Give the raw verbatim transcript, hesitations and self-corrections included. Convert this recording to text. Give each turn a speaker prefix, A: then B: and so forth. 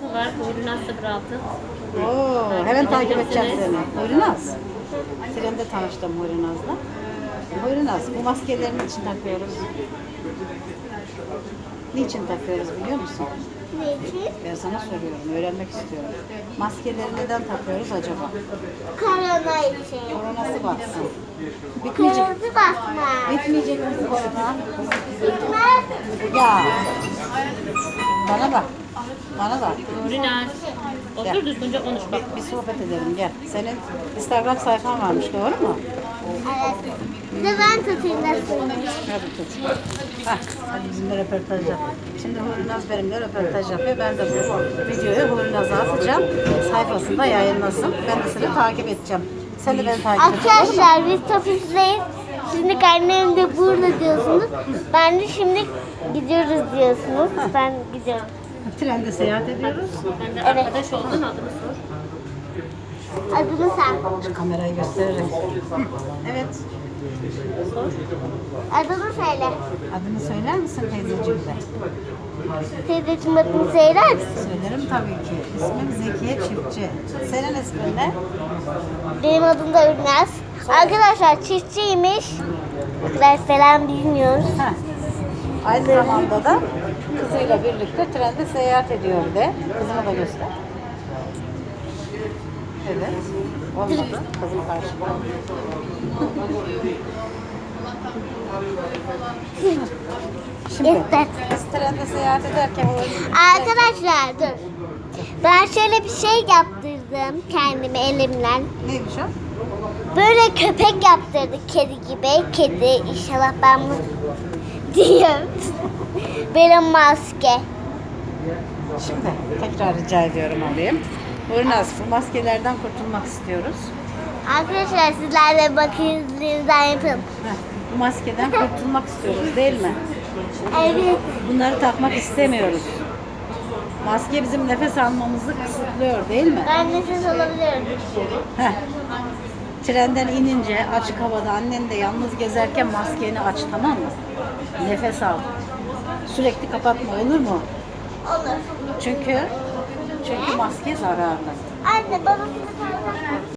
A: var. Poyraz sıfır altı.
B: Oo, hemen takip edeceğim seni. Poyraz. Trende tanıştım Poyraz'la. Poyraz, bu maskelerin için takıyoruz. Niçin takıyoruz biliyor musun?
C: Niçin?
B: Ben sana soruyorum, öğrenmek istiyorum. Maskeleri neden takıyoruz acaba?
C: Korona için.
B: Koronası batsın. Bitmeyecek.
C: Kırmızı basma.
B: Bitmeyecek mi bu korona?
C: Bitmez.
B: Ya. Bana bak. Bana bak.
A: Poyraz. Otur düzgünce konuş bak.
B: Bir, bir sohbet edelim gel. Senin Instagram sayfan varmış doğru mu?
C: Evet. Bir de ben tutayım nasıl?
B: Hadi tut. Hah, hadi bizimle röportaj yap. Şimdi Hurnaz benimle röportaj yapıyor. Ben de bu videoyu Hurnaz'a atacağım. Sayfasında yayınlasın. Ben de seni takip edeceğim. Sen de beni takip et.
C: Arkadaşlar biz Topuz'dayız. Şimdi annem de burada diyorsunuz. Ben de şimdi gidiyoruz diyorsunuz. Ben gidiyorum.
B: Trende seyahat ediyoruz.
A: Ben de
C: Evet.
A: arkadaş oldun adını sor.
C: Adını sen.
B: Şu kamerayı gösteririm. Hı, evet.
C: Adını söyle.
B: Adını söyler misin teyzeciğim de?
C: Teyzeciğim adını söyler misin?
B: Söylerim tabii ki. İsmim Zekiye Çiftçi. Senin ismin ne?
C: Benim adım da Ürnaz. Arkadaşlar çiftçiymiş. Arkadaşlar selam bilmiyoruz.
B: Heh. Aynı zamanda da kızıyla birlikte trende seyahat ediyor de. Kızımı da göster. Evet. Olmadı. Kızım karşıma. Şimdi
C: Göster.
B: biz trende seyahat ederken o
C: Arkadaşlar dur. Ben şöyle bir şey yaptırdım kendime elimle.
B: neymiş o?
C: Böyle köpek yaptırdık kedi gibi. Kedi inşallah ben bunu diyeyim. Böyle maske.
B: Şimdi tekrar rica ediyorum alayım. Burnaz, bu maskelerden kurtulmak istiyoruz.
C: Arkadaşlar sizler de bakınızdan yapın.
B: Heh, bu maskeden kurtulmak istiyoruz değil mi?
C: Evet.
B: Bunları takmak istemiyoruz. Maske bizim nefes almamızı kısıtlıyor değil mi?
C: Ben nefes alabiliyorum.
B: Heh. Trenden inince açık havada annen de yalnız gezerken maskeni aç tamam mı? Nefes al. Sürekli kapatma olur mu?
C: Olur.
B: Çünkü çünkü maske zararlı.
C: Anne bana bir tane